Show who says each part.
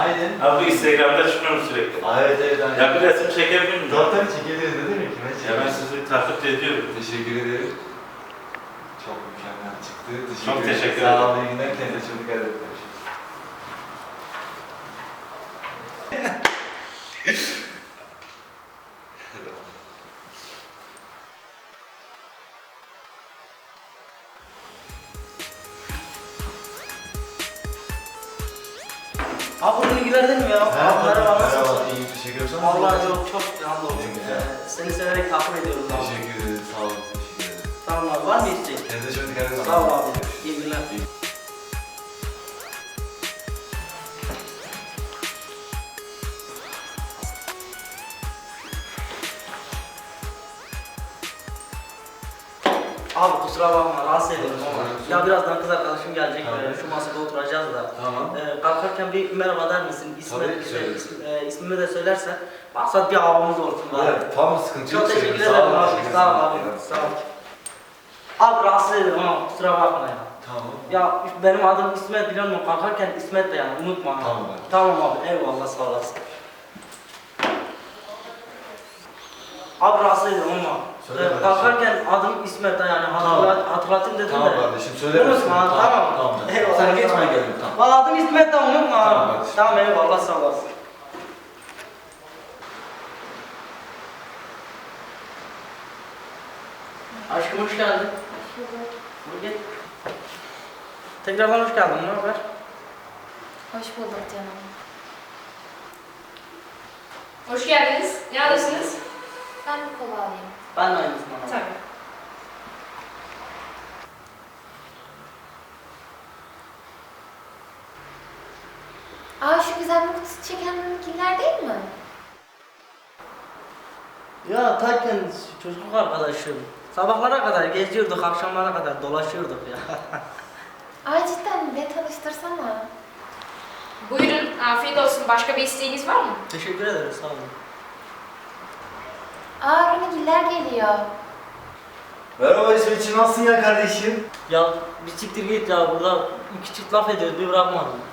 Speaker 1: Aynen.
Speaker 2: Abi Instagram'da çıkıyorum sürekli.
Speaker 1: Evet evet. Aynen.
Speaker 2: Ya bir resim çekebilir miyim?
Speaker 1: Tabii çekeriz ne demek ki?
Speaker 2: Ya ben sizi takip ediyorum.
Speaker 1: Teşekkür ederim. Çok mükemmel çıktı.
Speaker 2: Çok teşekkür
Speaker 1: Sağ
Speaker 2: ederim.
Speaker 1: olun. İyi günler. Kendinize çok dikkat edin.
Speaker 3: Abi bu bilgilerden mi ya? Abi merhaba, nasılsın?
Speaker 1: İyi teşekkür ederim.
Speaker 3: Vallahi çok hamdolsun.
Speaker 1: Ne güzel.
Speaker 3: Seni severek takip ediyoruz abi.
Speaker 1: Teşekkür ederim. Sağ olun. Teşekkür ederim.
Speaker 3: Tamam abi, var mı isteğin?
Speaker 1: Kendinize çok dikkat edin.
Speaker 3: Sağ ol abi. İyi günler. Abi kusura bakma, rahatsız ediyorum ama ya birazdan kız arkadaşım gelecek,
Speaker 1: Tamam.
Speaker 3: şu masada oturacağız da.
Speaker 1: Tamam.
Speaker 3: Kalkarken bir merhaba der misin?
Speaker 1: Tabii ki söylerim.
Speaker 3: İsmimi de söylersen, maksat bir havamız olsun bari.
Speaker 1: Evet, tamam sıkıntı yok.
Speaker 3: Çok teşekkür
Speaker 1: Sağ
Speaker 3: ederim
Speaker 1: olun,
Speaker 3: abi,
Speaker 1: teşekkür
Speaker 3: sağ ol
Speaker 1: ederim.
Speaker 3: abi, sağ ol. Abi rahatsız ediyorum ama kusura bakma ya.
Speaker 1: Tamam.
Speaker 3: Ya benim adım İsmet, biliyor musun? Kalkarken İsmet de yani, unutma. ha.
Speaker 1: Tamam abi.
Speaker 3: Tamam abi, eyvallah, sağ olasın. Abi rahatsız ediyorum ama
Speaker 1: Söyle kardeşim.
Speaker 3: kalkarken adım İsmet de yani hatırlatayım dedim
Speaker 1: Tamam
Speaker 3: de.
Speaker 1: kardeşim söyle.
Speaker 3: Unutma ha, tamam.
Speaker 1: Tamam.
Speaker 3: Eyvallah,
Speaker 1: Sen geç
Speaker 3: tamam.
Speaker 1: ben gelirim tamam.
Speaker 3: Valla adım İsmet de unutma ha.
Speaker 1: Tamam kardeşim.
Speaker 3: Tamam eyvallah, sağ olasın. Aşkım hoş geldin. Buyur gel. Tekrardan hoş geldin, ne haber?
Speaker 4: Hoş bulduk canım.
Speaker 5: Hoş geldiniz. Ne alırsınız?
Speaker 4: Ben bir kola alayım.
Speaker 3: Ben de aynısını alayım.
Speaker 5: Tabii.
Speaker 4: Şu güzel kutusu çekenler değil mi?
Speaker 3: Ya takken çocukluk arkadaşım. Sabahlara kadar geziyorduk, akşamlara kadar dolaşıyorduk ya.
Speaker 4: Cidden bir tanıştırsana.
Speaker 5: Buyurun, afiyet olsun. Başka bir isteğiniz var mı?
Speaker 3: Teşekkür ederim, sağ olun.
Speaker 4: Runigiller geliyor.
Speaker 1: Merhaba İsmetciğim nasılsın ya kardeşim?
Speaker 3: Ya bir siktir git ya, burada iki çift laf ediyoruz, bir bırakmadın.